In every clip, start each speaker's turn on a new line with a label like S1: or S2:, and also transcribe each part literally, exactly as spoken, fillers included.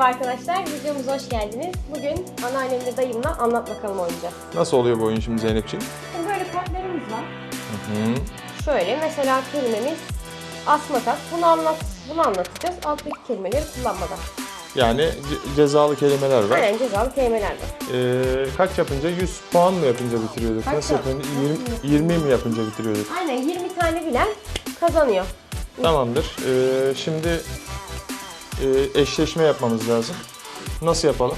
S1: Merhaba arkadaşlar, videomuza hoş geldiniz. Bugün anneannemle dayımla anlat bakalım oynayacağız.
S2: Nasıl oluyor bu oyun şimdi Zeynepciğim?
S1: Şimdi böyle kartlarımız var.
S2: Hı hı.
S1: Şöyle mesela kelimemiz asma tat. Bunu anlat, bunu anlatacağız. Alttaki kelimeleri kullanmadan.
S2: Yani ce- cezalı kelimeler var.
S1: Aynen cezalı kelimeler var.
S2: Ee, kaç yapınca? yüz puan mı yapınca bitiriyorduk?
S1: Kaç
S2: Nasıl
S1: yap-
S2: yapınca?
S1: Nasıl
S2: yirmi, yirmi mi yapınca bitiriyorduk?
S1: Aynen yirmi tane bilen kazanıyor.
S2: Tamamdır. Ee, şimdi e, eşleşme yapmamız lazım. Nasıl yapalım?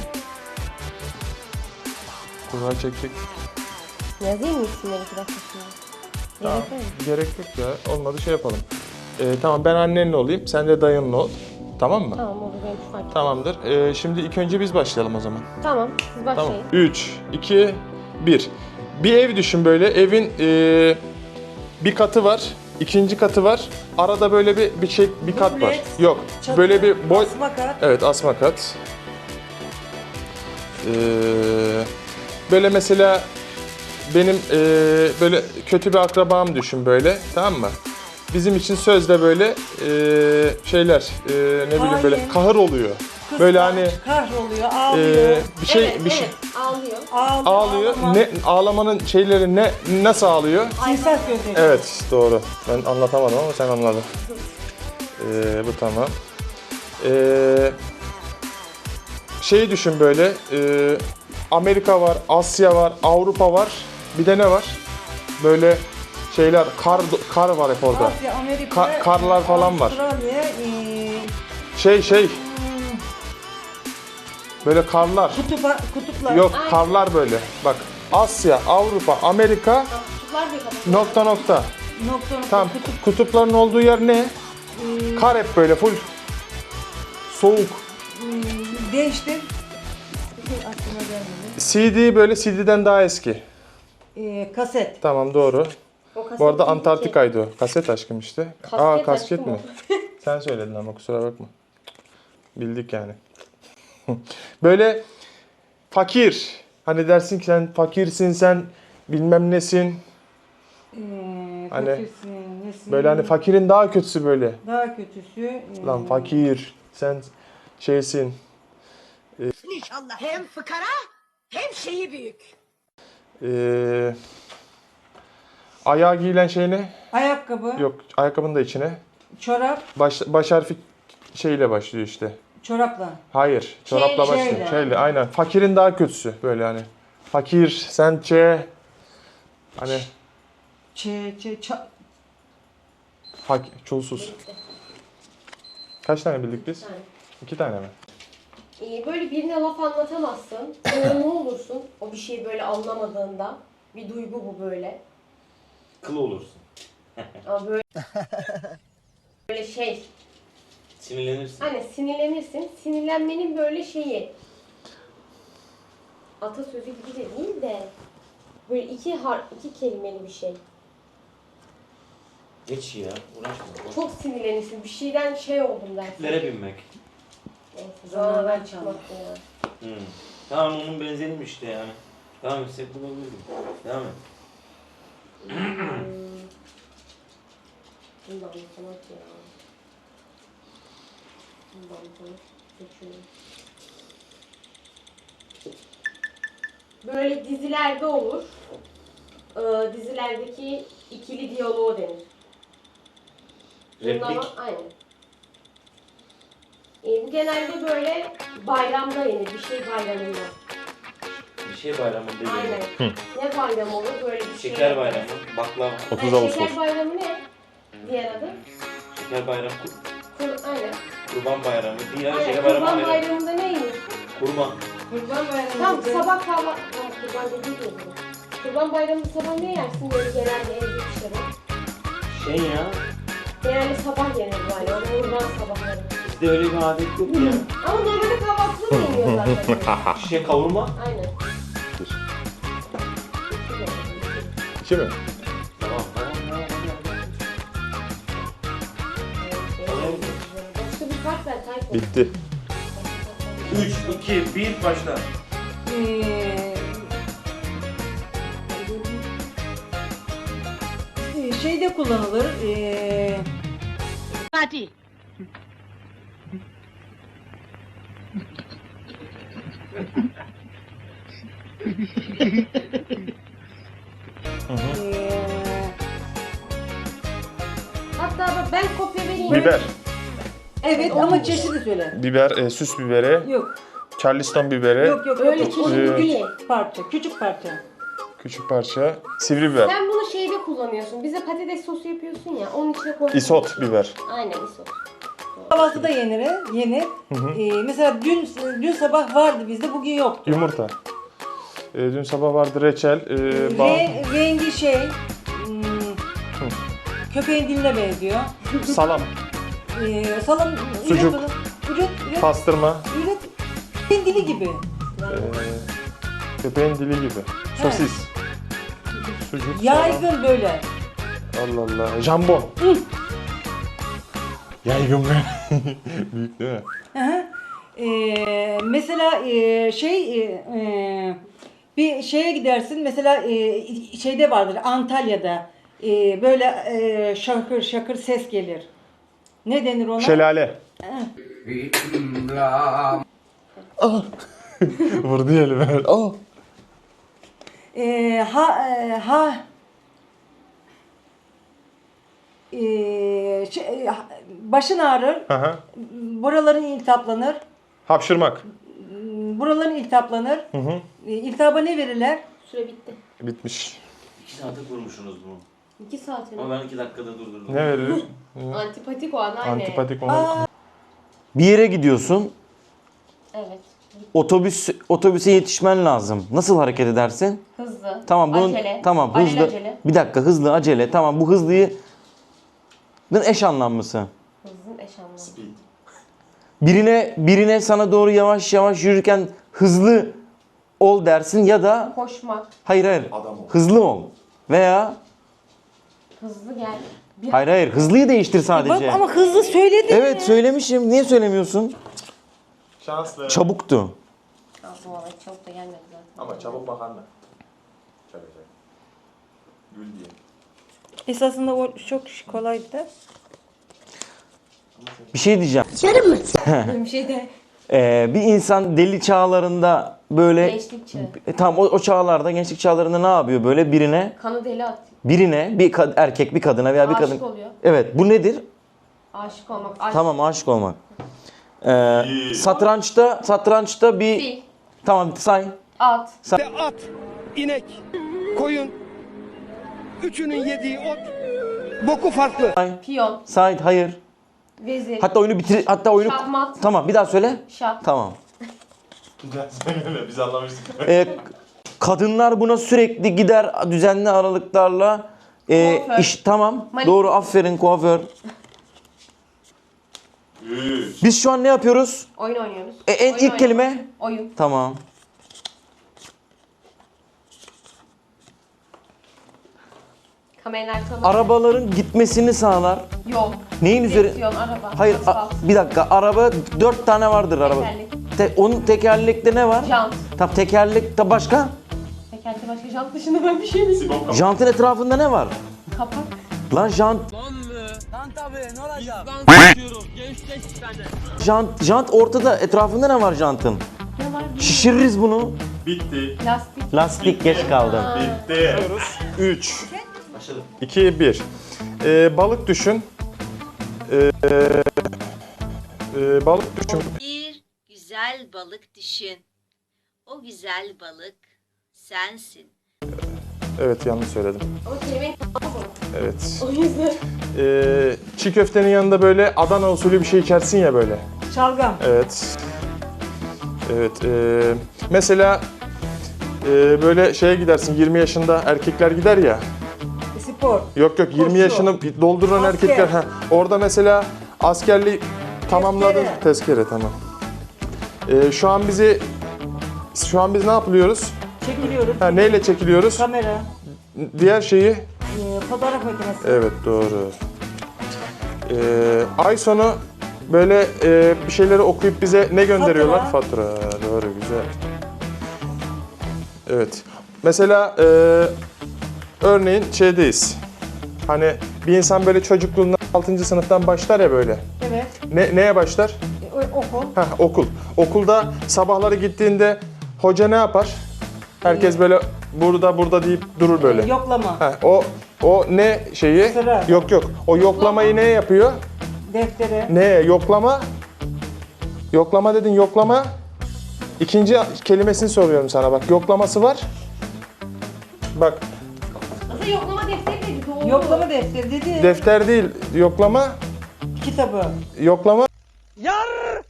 S2: Kura çekecek.
S1: Yazayım mı isimleri iki dakika şimdi?
S2: Tamam.
S1: Gerek var mı?
S2: Gerek yok ya. Olmadı şey yapalım. Ee, tamam ben annenle olayım. Sen de dayınla ol. Tamam mı?
S1: Tamam olur benim şu fark.
S2: Tamamdır. Ee, şimdi ilk önce biz başlayalım o zaman.
S1: Tamam siz başlayın.
S2: Tamam. üç, iki, bir. Bir ev düşün böyle. Evin e, bir katı var. İkinci katı var. Arada böyle bir bir şey bir kat var.
S3: Dubleks,
S2: Yok.
S3: çatı,
S2: Böyle bir boy.
S3: asma kat.
S2: Evet, asma kat. Ee, böyle mesela benim e, böyle kötü bir akrabam düşün böyle. Tamam mı? Bizim için sözde böyle e, şeyler e, ne bileyim böyle
S3: Hain.
S2: kahır oluyor.
S3: Kız
S2: Böyle
S3: kah-
S2: hani
S3: kahroluyor, ağlıyor.
S2: e, bir şey
S1: evet,
S2: bir şey
S1: evet, ağlıyor.
S3: Ağlıyor,
S2: ağlıyor.
S3: ağlama.
S2: Ne ağlamanın şeyleri ne nasıl ağlıyor?
S3: Timsah gözleri.
S2: Evet, doğru. Ben anlatamadım ama sen anladın. Ee, bu tamam. Ee, şeyi düşün böyle. E, Amerika var, Asya var, Avrupa var. Bir de ne var? Böyle şeyler, kar kar var hep orada.
S3: Asya, Amerika,
S2: Ka- karlar falan var.
S3: Avustralya, ee,
S2: Şey şey,
S3: hmm,
S2: böyle karlar.
S3: kutupa, kutuplar.
S2: Yok,
S1: Aynen.
S2: karlar böyle. Bak, Asya, Avrupa, Amerika,
S1: Kutuplar diye kapatıyor.
S2: nokta nokta.
S3: Nokta nokta
S2: Tamam,
S3: kutup.
S2: kutupların olduğu yer ne?
S3: ee,
S2: Kar hep böyle full. Soğuk.
S3: hmm, değiştir. Aklıma gelmedi.
S2: C D böyle C D'den daha eski.
S3: Ee, kaset.
S2: Tamam, doğru.
S1: O kaset
S2: Bu arada
S1: değil ki.
S2: Antarktika'ydı o. Kaset aşkım işte.
S1: Kasket
S2: Aa,
S1: aşkım
S2: kasket mi?
S1: o.
S2: Sen söyledin ama kusura bakma. Bildik yani. Böyle fakir. Hani dersin ki sen fakirsin, sen bilmem nesin.
S3: Ee,
S2: Hani,
S3: fakirsin, nesin?
S2: Böyle hani fakirin daha kötüsü böyle.
S3: Daha kötüsü. ee,
S2: Lan fakir, sen şeysin.
S4: İnşallah hem fıkara hem şeyi büyük.
S2: Ee, ayağa giyilen şey ne?
S3: Ayakkabı,
S2: Yok, ayakkabının da içine.
S3: çorap,
S2: Baş, baş harfi şeyle başlıyor işte.
S3: çorapla.
S2: Hayır, çorapla
S1: Şeyle.
S2: başlıyor.
S3: Şeyle.
S2: Şeyle, aynen. Fakirin daha kötüsü böyle hani. Fakir, sence hani
S3: Çe, çe, ça,
S2: fakir, çulsuz. Kaç tane bildik biz?
S1: Yani.
S2: İki tane mi?
S1: Ee, böyle birine laf anlatamazsın. Böyle ne olursun o bir şeyi böyle anlamadığında. Bir duygu bu böyle.
S5: Kıl olursun.
S1: Ama böyle böyle şey.
S5: Sinirlenirsin.
S1: Hani sinirlenirsin. Sinirlenmenin böyle şeyi. Atasözü gibi de değil de böyle iki har iki kelimeli bir şey.
S5: Geç ya, uğraşma. Boş.
S1: Çok sinirlenirsin. Bir şeyden şey oldum dersin.
S5: Lere binmek.
S1: Neyse,
S3: Zamandan
S1: zamandan
S3: çalmak.
S1: çıkmak ya.
S5: Hmm. Tamam, onun benzeriymiş işte yani. Devam etsek bulabilirdim. Devam et.
S1: Hmm. Bunu da anlatamak ya. Bunu da anlatamak. Seçiyorum. Böyle dizilerde olur. Ee, dizilerdeki ikili diyaloğu denir.
S5: Replik.
S1: Bunlar- aynen. Ee, bu genelde böyle bayramda yenir. Bir şey bayramında.
S5: Bir şey bayramında
S1: Aynen.
S5: değil.
S1: Ne bayramı olur? Böyle bir şey.
S5: Şeker bayramı, baklava.
S2: otuz
S1: Yani
S2: Ağustos.
S1: Şeker bayramı ne? Diğer adı.
S5: Şeker bayramı, kur-
S1: Kur, aynen.
S5: kurban bayramı. Diğer
S1: Aynen.
S5: şeker bayramı
S1: Kurban
S5: ayrı.
S1: bayramında ne yenir?
S5: Kurban.
S3: kurban bayramı.
S1: Tamam sabah kahvaltı... Tamam kurban dediği de olur. Kurban bayramında sabah ne yersin böyle genelde evde dışarı?
S5: Şey ya,
S1: Genelde sabah yenir böyle. O kurban sabahları.
S5: bizde öyle bir adet yok ya.
S1: Ama normalde kahvaltıda da yeniyor zaten.
S5: Şişe kavurma.
S1: Aynen.
S2: İki mi?
S5: Tamam, tamam, tamam.
S1: Başka bir fark ver Tayfun.
S2: Bitti.
S5: üç, iki, bir, başla.
S3: Ee, e, şeyde kullanılır. Ee,
S4: Hadi.
S3: Ee,
S1: Hatta bak ben kopya vereyim.
S2: Biber.
S3: evet ama çeşidi söyle.
S2: Biber, e, süs biberi,
S3: Yok.
S2: Charleston biberi,
S3: Yok yok.
S1: Öyle
S3: yok.
S1: çeşitli
S2: Ee,
S1: değil.
S3: Parça. Küçük parça.
S2: küçük parça, sivri biber,
S1: Sen bunu şeyde kullanıyorsun. Bize patates sosu yapıyorsun ya. Onun içine koyuyorsun.
S2: isot biber.
S1: Aynen isot.
S3: Kahvaltıda yenir. Yenir. Ee, mesela dün dün sabah vardı bizde, bugün yoktu.
S2: Yumurta. E, dün sabah vardı reçel, e, bal,
S3: Re, rengi şey, hmm, köpeğin diline benziyor.
S2: salam,
S3: Ee, salam,
S2: Sucuk.
S3: üret onu. Üret, üret,
S2: pastırma,
S3: üret. Köpeğin dili gibi.
S2: e, köpeğin dili gibi, sosis, sucuk, salam.
S3: Yaygın böyle.
S2: Allah Allah, jambon. Yaygın be. Büyük değil mi?
S3: Hı hı. Ee, mesela e, şey, e, e, bir şeye gidersin, mesela e, şeyde vardır, Antalya'da e, böyle e, şakır şakır ses gelir. Ne denir ona?
S2: Şelale. Ah. Vurdu ya elime. Ah.
S3: Ee, ha e, ha e, şey, ha- başın ağrır,
S2: Aha.
S3: buraların iltihaplanır,
S2: Hapşırmak.
S3: buraların iltihaplanır.
S2: Hı hı.
S3: E, İltihaba ne verirler?
S1: Süre bitti.
S2: Bitmiş.
S5: İki saate kurmuşsunuz bunu.
S1: İki saat mi?
S5: Ama ben iki dakikada durdurdum.
S2: Ne verir?
S1: Antipatik o anneanne.
S2: Antipatik onu.
S6: Bir yere gidiyorsun.
S1: Evet.
S6: Otobüs otobüse yetişmen lazım. Nasıl hareket edersin?
S1: Hızlı.
S6: Tamam bunun
S1: Acele.
S6: tamam hızlı.
S1: Alelacele.
S6: Bir dakika hızlı acele. Tamam bu hızlıyı bunun eş anlamlısı.
S1: Hızın eş anlamı.
S5: Speed.
S6: Birine birine sana doğru yavaş yavaş yürürken hızlı ol dersin ya da
S1: Koşmak.
S6: hayır hayır. Hızlı ol. Veya
S1: Hızlı gel. Bir
S6: hayır hayır hızlıyı değiştir
S3: Bak
S6: sadece.
S3: ama hızlı söyledin.
S6: Evet söylemişim. Niye söylemiyorsun?
S2: Şanslı.
S6: Çabuktu.
S1: Aldım valla çok da gelmedi zaten.
S2: Ama çabuk makarna. Çabuk çabuk. Gül diye.
S3: Esasında o çok kolaydı.
S6: Bir şey diyeceğim.
S1: Bir şey de
S6: Ee, bir insan deli çağlarında böyle
S1: gençlik çağı.
S6: E, tamam o, o çağlarda gençlik çağlarında ne yapıyor böyle birine
S1: Kanı deli at.
S6: birine bir kad- erkek bir kadına veya bir
S1: Aşık
S6: kadın
S1: oluyor.
S6: evet bu nedir?
S1: Aşık olmak. Aşık.
S6: Tamam aşık olmak. Ee, satrançta satrançta bir
S1: Fil.
S6: tamam say
S1: At.
S7: At, inek, koyun, üçünün yediği ot, boku farklı.
S1: Piyon.
S6: say hayır.
S1: Vezir.
S6: Hatta oyunu bitir hatta oyunu
S1: Şahmat.
S6: tamam bir daha söyle.
S1: Şah.
S6: Tamam.
S2: Güzel söyle biz anlamıştık.
S6: Ee, kadınlar buna sürekli gider düzenli aralıklarla e,
S1: Kuaför.
S6: iş tamam
S1: Manikür.
S6: doğru aferin kuaför. Biz şu an ne yapıyoruz?
S1: Oyun oynuyoruz.
S6: E, en
S1: Oyun
S6: ilk
S1: oynamak.
S6: kelime
S1: Oyun.
S6: tamam.
S1: Kameranın arkasına.
S6: Arabaların gitmesini sağlar.
S1: Yol.
S6: Neyin üzeri?
S1: Direksiyon, araba.
S6: Hayır, a-
S1: asfalt,
S6: bir dakika. Araba dört tane vardır araba.
S1: Tekerlek.
S6: Te- onun tekerlekte ne var?
S1: Jant.
S6: Tam tekerlekte başka?
S1: Tekerlekte başka jant dışında ben bir şey bilmiyorum.
S6: Jantın etrafında ne var?
S1: Kapak.
S6: Lan jant. Jant, jant ortada. Etrafında ne var jantın?
S1: Ne var?
S6: Şişiririz bunu.
S2: Bitti.
S1: Lastik.
S6: Lastik geç kaldım.
S2: Bitti. üç,
S5: Başladım.
S2: iki, bir. Ee, balık düşün. Ee, e, balık düşün.
S8: Bir güzel balık düşün. O güzel balık sensin.
S2: Evet yanlış söyledim.
S1: Ama kelimeyi
S2: Evet.
S1: o yüzden.
S2: Ee, çiğ köftenin yanında böyle Adana usulü bir şey içersin ya böyle.
S3: Şalgam.
S2: Evet. Evet. ee, mesela ee, böyle şeye gidersin yirmi yaşında erkekler gider ya.
S3: Spor.
S2: Yok yok yirmi
S3: Koşu.
S2: yaşını dolduran
S3: Asker.
S2: erkekler. Ha, orada mesela askerliği tamamladın.
S3: Tezkere.
S2: Tezkere tamam. Ee, şu an bizi şu an biz ne yapıyoruz?
S3: Çekiliyoruz.
S2: Ha, neyle çekiliyoruz?
S3: Kamera.
S2: Diğer şeyi.
S3: e, fotoğraf makinesi.
S2: Evet doğru. Ee, ay sonu böyle e, bir şeyleri okuyup bize ne gönderiyorlar? Fatura. Doğru güzel. Evet. Mesela e, örneğin şeydeyiz. Hani bir insan böyle çocukluğundan altıncı sınıftan başlar ya böyle.
S3: Evet.
S2: Ne, neye başlar?
S3: E, o- okul.
S2: Heh, okul. Okulda sabahları gittiğinde hoca ne yapar? Herkes böyle burada burada deyip durur böyle.
S3: Ee, yoklama.
S2: Heh, o o ne şeyi?
S3: Sıra.
S2: Yok yok. O yoklamayı ne yapıyor?
S3: Deftere.
S2: Ne? Yoklama. Yoklama dedin, yoklama. İkinci kelimesini soruyorum sana bak. Yoklaması var. Bak,
S1: Aslında yoklama defteri dedi. Doğru.
S3: Yoklama defteri dedi.
S2: defter değil, yoklama.
S3: Kitabı.
S2: Yoklama.
S7: Yar!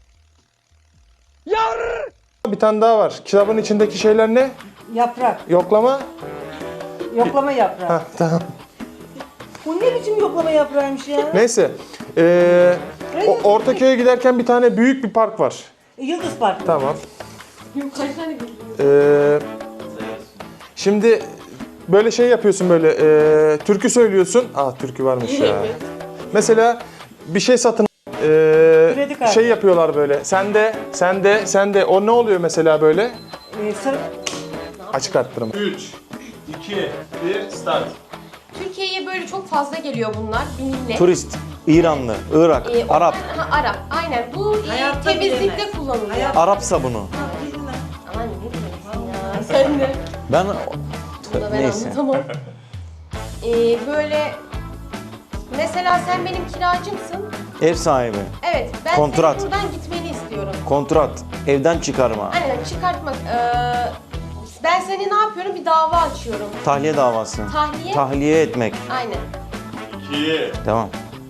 S7: Yar!
S2: Bir tane daha var. Kitabın içindeki şeyler ne?
S3: Yaprak.
S2: Yoklama.
S3: Yoklama yaprağı.
S2: Heh, tamam.
S3: Bu ne biçim yoklama yaprağıymış ya?
S2: Neyse. Ee, o- Ortaköy'e giderken bir tane büyük bir park var.
S3: Yıldız Park.
S2: Tamam.
S1: Yok, kaç tane bildin?
S2: Ee, şimdi böyle şey yapıyorsun böyle. ee, türkü söylüyorsun. Aa, türkü varmış ya. Mesela bir şey satın ee,
S3: Kredi kartı.
S2: şey yapıyorlar böyle. Sen de, sen de, sen de. O ne oluyor mesela böyle?
S3: Ee, sır...
S2: Açık arttırma.
S5: üç, iki, bir, start.
S1: Türkiye'ye böyle çok fazla geliyor bunlar. Bir millet.
S6: Turist, İranlı, Irak,
S1: Ee, onlar-
S6: Arap,
S1: Ha, Arap. Aynen. Bu e,
S3: Hayatta
S1: temizlikte
S3: bilemez.
S1: kullanılıyor.
S3: Hayat-
S6: Arap sabunu.
S1: Aman ne diyorsun ya? Sen de.
S6: Ben
S1: Bunu da ben
S6: neyse.
S1: anlatamam. Ee, böyle mesela sen benim kiracımsın.
S6: Ev sahibi,
S1: Evet, ben
S6: Kontrat.
S1: senin buradan gitmeni istiyorum.
S6: kontrat, evden çıkarma,
S1: Aynen, çıkartmak. Ee, ben seni ne yapıyorum? Bir dava açıyorum.
S6: tahliye davası,
S1: Tahliye.
S6: tahliye etmek.
S1: Aynen.
S5: iki.
S6: Tamam.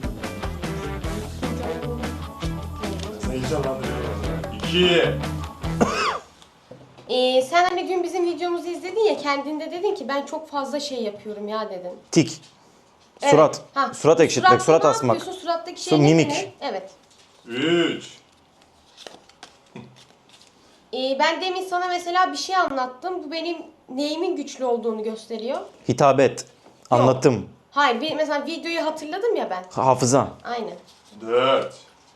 S5: iki.
S1: Ee, sen hani dün bizim videomuzu izledin ya, kendinde dedin ki ben çok fazla şey yapıyorum ya dedin.
S6: Tik,
S1: Evet.
S6: surat,
S1: Ha,
S6: surat ekşitmek,
S1: suratta
S6: surat
S1: ne
S6: asmak.
S1: yapıyorsun? Surattaki
S6: Su-
S1: şey ne
S6: mimik.
S1: denir? Evet.
S5: üç.
S1: Ee, ben demin sana mesela bir şey anlattım. Bu benim neyimin güçlü olduğunu gösteriyor.
S6: Hitabet, anlatım,
S1: Hayır, bir, mesela videoyu hatırladım ya ben.
S6: hafıza,
S1: Aynen.
S5: dört.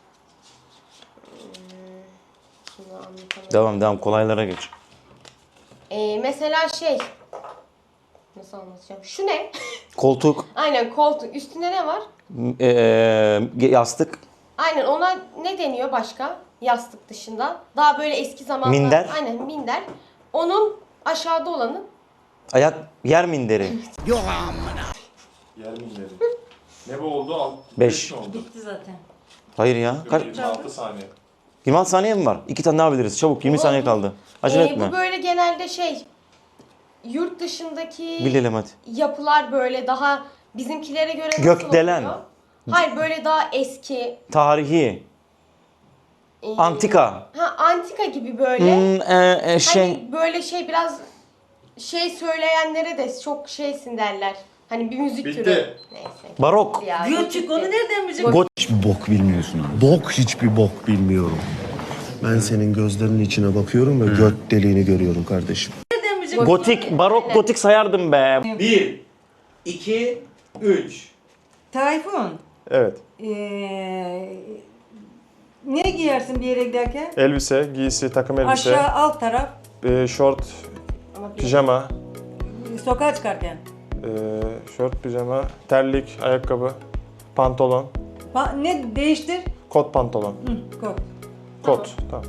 S1: Şunu anlatamam.
S6: devam devam kolaylara geç.
S1: Ee, mesela şey... Nasıl anlatacağım? Şu ne?
S6: Koltuk,
S1: Aynen, koltuk. Üstünde ne var?
S6: eee, yastık,
S1: Aynen, ona ne deniyor başka? Yastık dışında. Daha böyle eski zamanlar.
S6: Minder.
S1: Aynen, minder. Onun aşağıda olanı.
S6: ayak, yer minderi,
S5: Yer minderi. Ne bu oldu? Alt,
S6: Beş.
S5: mi oldu?
S3: Bitti zaten.
S6: hayır ya. Kaç?
S5: yirmi altı saniye.
S6: yirmi altı saniye mi var? İki tane daha biliriz. Çabuk yirmi saniye kaldı. Acele
S1: Ee,
S6: etme.
S1: bu böyle genelde şey... Yurt dışındaki
S6: Bilelim hadi.
S1: yapılar böyle daha bizimkilere göre nasıl
S6: Gökdelen.
S1: oluyor? Hayır, böyle daha eski.
S6: Tarihi,
S1: e,
S6: antika,
S1: Ha, antika gibi böyle.
S6: hmm, e, e, şey,
S1: Hani böyle şey biraz şey söyleyenlere de çok şeysin derler. Hani bir müzik
S5: Bitti.
S1: türü. Neyse.
S6: barok,
S1: Ya,
S3: Göçük onu nereden bilecek?
S1: Go-
S9: Hiçbir bok bilmiyorsun. Bok hiçbir bok bilmiyorum. Ben senin gözlerinin içine bakıyorum ve göt deliğini görüyorum kardeşim.
S3: Nereden bilecek?
S6: gotik, barok, gotik sayardım be.
S5: bir, iki, üç.
S3: Tayfun.
S2: Evet.
S3: Ee, ne giyersin bir yere giderken?
S2: Elbise, giysi, takım elbise,
S3: Aşağı alt taraf.
S2: e, şort,
S1: Ama bir-
S2: pijama,
S3: Sokağa çıkarken.
S2: e, şort, pijama, terlik, ayakkabı, pantolon,
S3: Pa- ne değiştir?
S2: kot pantolon,
S3: Hı, kot.
S2: kot. Tamam.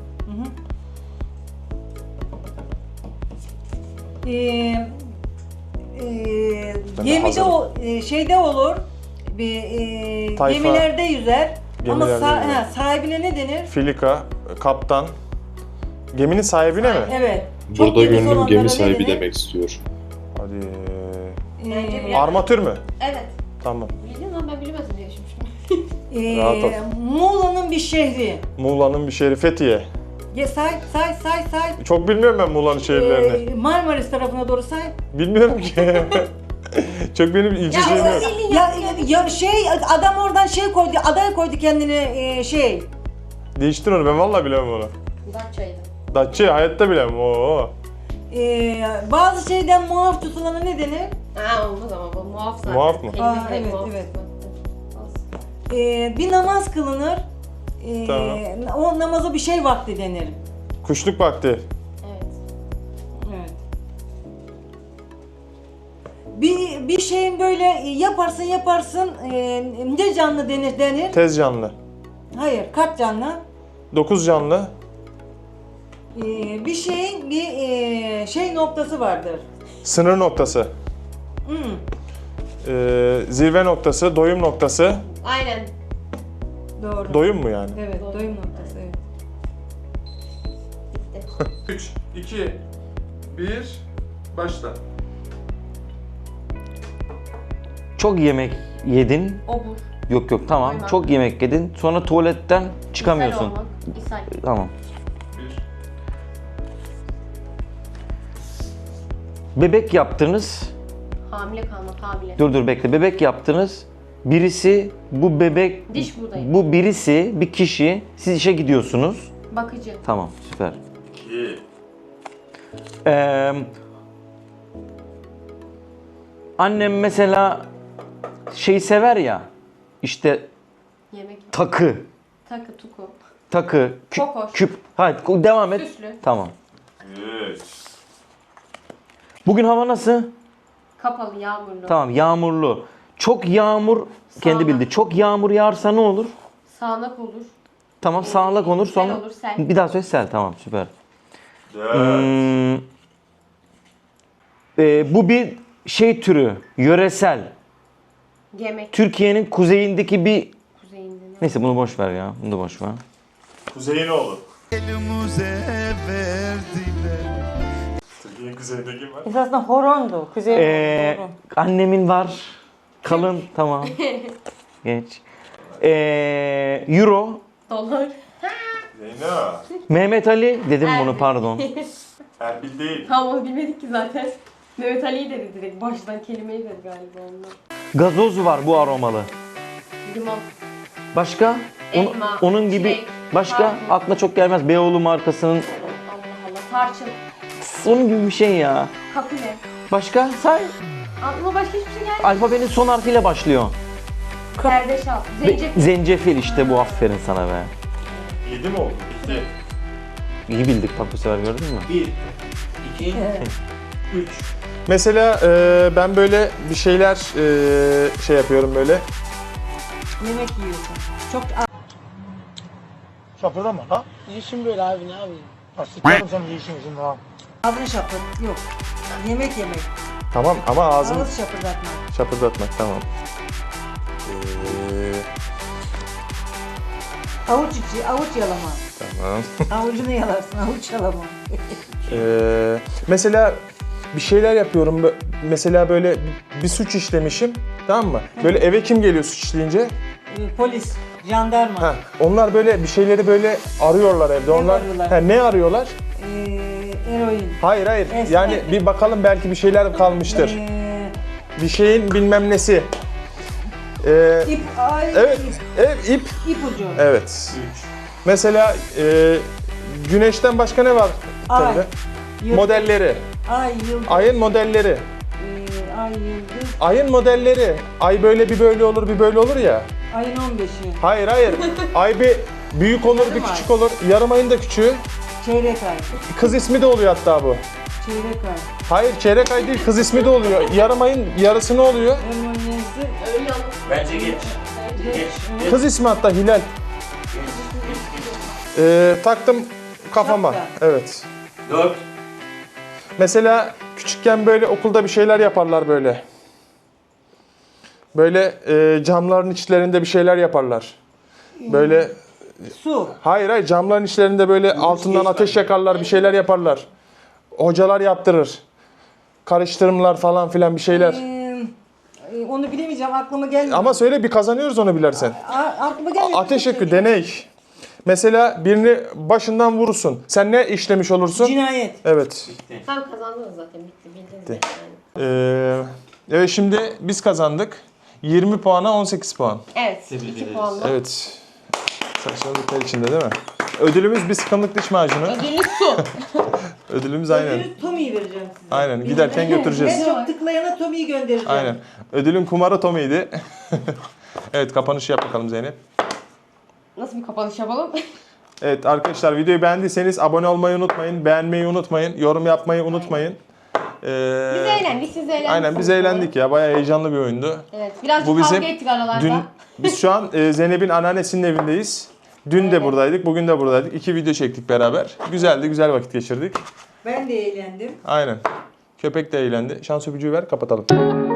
S3: Ee, e,
S2: Ben de
S3: gemide
S2: hazırım.
S3: o e, şeyde olur. Bir e,
S2: Tayfa.
S3: gemilerde yüzer. Ama
S2: Gemilerde
S3: sa-
S2: yüzer.
S3: ha, sahibine ne denir?
S2: Filika, kaptan. Geminin sahibine mi?
S3: Evet. Çok
S10: Burada
S3: gemisi
S10: gönlüm
S3: olanlara
S10: gemi
S3: ne
S10: sahibi
S3: denir?
S10: demek istiyor.
S2: Hadi.
S1: Bence
S3: Ee,
S1: bir-
S2: Armatür mü?
S1: Evet.
S2: Tamam.
S1: Bildin lan, ben bilemezdim diye düşünmüştüm.
S3: e,
S2: Rahat ol.
S3: Muğla'nın bir şehri.
S2: Muğla'nın bir şehri Fethiye.
S3: Ye, say say say say.
S2: Çok bilmiyorum ben Muğla'nın şehirlerini.
S3: Ee, Marmaris tarafına doğru say.
S2: Bilmiyorum ki. Çok benim ilgi
S1: Ya,
S2: şeyim yok.
S1: o-
S3: Ya, ya şey adam oradan şey koydu, adaya koydu kendine e, şey.
S2: Değiştir onu, ben vallahi bilemem onu.
S1: Datça'ydı.
S2: Datça hayatta bilemem. Oo.
S3: E, bazı şeyden muaf tutulana ne denir?
S1: Ha, olmaz ama bu muaf zaten.
S2: Muaf mı?
S1: Kelime
S3: Aa,
S1: de
S3: evet,
S1: muaf.
S3: evet. E, bir namaz kılınır. E,
S2: Tamam.
S3: O namaza bir şey vakti denir.
S2: Kuşluk vakti.
S1: Evet.
S3: Evet. Bir, bir şeyin böyle yaparsın yaparsın e, ne canlı denir denir?
S2: Tez canlı.
S3: Hayır, kaç canlı?
S2: dokuz canlı.
S3: Ee, bir şeyin bir e, şey noktası vardır.
S2: Sınır noktası.
S3: Hmm.
S2: Ee, zirve noktası, doyum noktası.
S1: Aynen.
S3: Doğru.
S2: Doyum mu yani?
S3: Evet, doyum noktası. Evet.
S2: üç, iki, bir, başla.
S6: Çok yemek yedin.
S1: Obur.
S6: Yok yok tamam.
S1: Doymak.
S6: Çok yemek yedin. Sonra tuvaletten çıkamıyorsun.
S1: İshal olmak. İshal.
S6: Tamam.
S2: Bir.
S6: Bebek yaptınız.
S1: Hamile kalmak, hamile.
S6: Dur dur bekle. Bebek yaptınız. Birisi bu bebek
S1: Diş buradayım.
S6: bu birisi bir kişi siz işe gidiyorsunuz.
S1: Bakıcı.
S6: Tamam süper.
S2: İki.
S6: Ee, annem mesela şeyi sever ya. İşte
S1: Yemek.
S6: takı.
S1: Takı, tuku.
S6: Takı. Kü-
S1: Kokoş.
S6: küp. Hadi devam et.
S1: Süslü.
S6: Tamam.
S2: Üç.
S6: Bugün hava nasıl?
S1: Kapalı, yağmurlu.
S6: Tamam yağmurlu. Çok yağmur kendi
S1: Sağanak.
S6: bildi. Çok yağmur yağarsa ne olur?
S1: Sağanak olur.
S6: Tamam sağanak olur
S1: Sel
S6: sonra.
S1: olur, sel.
S6: Bir daha söyle sel tamam süper.
S2: Dört.
S6: Hmm, e, bu bir şey türü. Yöresel.
S1: Yemek.
S6: Türkiye'nin kuzeyindeki bir...
S1: Kuzeyinde ne?
S6: Neyse bunu boş ver ya. Bunu da boş ver.
S2: Kuzeyin oğlu. Türkiye'nin kuzeyinde kim var?
S3: Esasında horondu. Kuzey
S6: Ee,
S3: horon.
S6: annemin var. Kalın tamam. Geç. Ee, Euro.
S1: Dolar.
S2: Zeyno.
S6: Mehmet Ali dedim bunu
S1: Erbil.
S6: pardon.
S2: Erbil değil.
S1: Tam onu bilmedik ki zaten. Mehmet Ali'yi dedi direkt. Baştan kelimeyi dedi galiba onlar.
S6: Gazoz var bu aromalı.
S1: Limon.
S6: Başka? Onu-
S1: Elma,
S6: onun gibi
S1: çilek,
S6: başka
S1: karpuz.
S6: aklına çok gelmez. Beyoğlu markasının
S1: Allah Allah. Tarçın.
S6: onun gibi bir şey ya.
S1: Kapile.
S6: Başka? Say.
S1: Aklıma başka hiçbir şey gelmedi.
S6: Alfabenin son harfiyle başlıyor.
S1: Zerdeçal.
S6: Ve-
S1: Zencefil.
S6: zencefil işte bu aferin sana be.
S2: Yedi mi oldu? Bitti.
S6: İyi bildik bak bu sefer gördün mü?
S5: Bir, iki, üç.
S2: Mesela e, ben böyle bir şeyler e, şey yapıyorum böyle.
S3: Yemek yiyorsun. Çok
S7: Şapırdama ha.
S4: İşim böyle abi ne yapayım?
S7: Ha sikerim senin işin için ha.
S3: ağzını şapır. Yok. Yemek yemek.
S2: Tamam ama ağzım
S3: Ağız şapırdatma.
S2: şapırdatmak tamam. Ee,
S3: Avuç içi, avuç yalama.
S2: tamam.
S3: Avucunu yalarsın, avuç yalama.
S2: Ee, mesela bir şeyler yapıyorum. Bö- Mesela böyle bir suç işlemişim. Tamam mı? Böyle eve kim geliyor suç işleyince?
S3: Ee, Polis, jandarma,
S2: Ha, onlar böyle bir şeyleri böyle arıyorlar evde. Onlar
S3: arıyorlar?
S2: ha, ne arıyorlar?
S3: ee, eroin,
S2: Hayır hayır.
S3: Esmer.
S2: Yani bir bakalım belki bir şeyler kalmıştır.
S3: ee,
S2: Bir şeyin bilmem nesi. Ee,
S3: ip, ay,
S2: evet,
S3: ip,
S2: ev ip.
S3: ipucu,
S2: Evet. Mesela e, güneşten başka ne var?
S3: Ay.
S2: Tabii.
S3: yıldız,
S2: Modelleri.
S3: ay, yıldız,
S2: Ayın modelleri.
S3: ee, ay, yıldız,
S2: Ayın modelleri. Ay böyle bir böyle olur bir böyle olur ya.
S3: ayın on beşi,
S2: Hayır hayır. Ay bir büyük olur bir
S3: Yarım ay.
S2: küçük olur. Yarım ayın da küçüğü.
S3: çeyrek ay,
S2: Kız ismi de oluyor hatta bu.
S3: çeyrek ay,
S2: Hayır çeyrek ay değil kız ismi de oluyor. Yarım ayın yarısı ne oluyor?
S3: hormoniyesi,
S1: Öyle olur.
S5: Bence geç. Geç. Geç.
S2: Kız ismi hatta Hilal. Ee, taktım kafama.
S3: Şapka.
S2: Evet.
S5: Dört.
S2: Mesela küçükken böyle okulda bir şeyler yaparlar böyle. Böyle e, camların içlerinde bir şeyler yaparlar. Böyle
S3: su,
S2: hayır hayır camların içlerinde böyle altından ateş yakarlar bir şeyler yaparlar. Hocalar yaptırır. Karıştırımlar falan filan bir şeyler.
S3: ee, ee, onu bilemeyeceğim, aklıma gelmiyor.
S2: Ama söyle bir kazanıyoruz onu bilersen.
S3: A- aklıma gelmiyor.
S2: Ateş yakıyor deney. Mesela birini başından vurursun. Sen ne işlemiş olursun?
S3: Cinayet.
S2: Evet.
S1: Tam kazandınız zaten. Bitti. Bildiniz yani.
S2: Ee, evet şimdi biz kazandık. yirmi puana on sekiz puan.
S1: Evet.
S5: Tebrik
S1: iki
S5: ederiz.
S1: puanla.
S2: Evet. Saçmalıklar içinde değil mi? Ödülümüz bir sıkımlık diş macunu.
S1: Ödülü su.
S2: Ödülümüz aynen.
S3: Ödülü Tommy'yi vereceğim size.
S2: Aynen. Giderken götüreceğiz.
S3: En çok tıklayana Tommy'yi göndereceğim.
S2: Aynen. Ödülün kumarı Tommy'ydi. Evet kapanışı yap bakalım Zeynep.
S1: Nasıl bir kapanış yapalım?
S2: Evet arkadaşlar videoyu beğendiyseniz abone olmayı unutmayın. Beğenmeyi unutmayın. Yorum yapmayı unutmayın. Ee,
S1: Biz eğlendik, siz eğlendiniz.
S2: Aynen biz eğlendik ya. Bayağı heyecanlı bir oyundu.
S1: Evet, birazcık
S2: Bu bizim
S1: kavga ettik aralarda.
S2: dün biz şu an e, Zeynep'in anneannesinin evindeyiz. Dün de buradaydık, bugün de buradaydık. İki video çektik beraber. Güzeldi, güzel vakit geçirdik.
S3: Ben de eğlendim.
S2: Aynen. Köpek de eğlendi. Şans öpücüğü ver, kapatalım.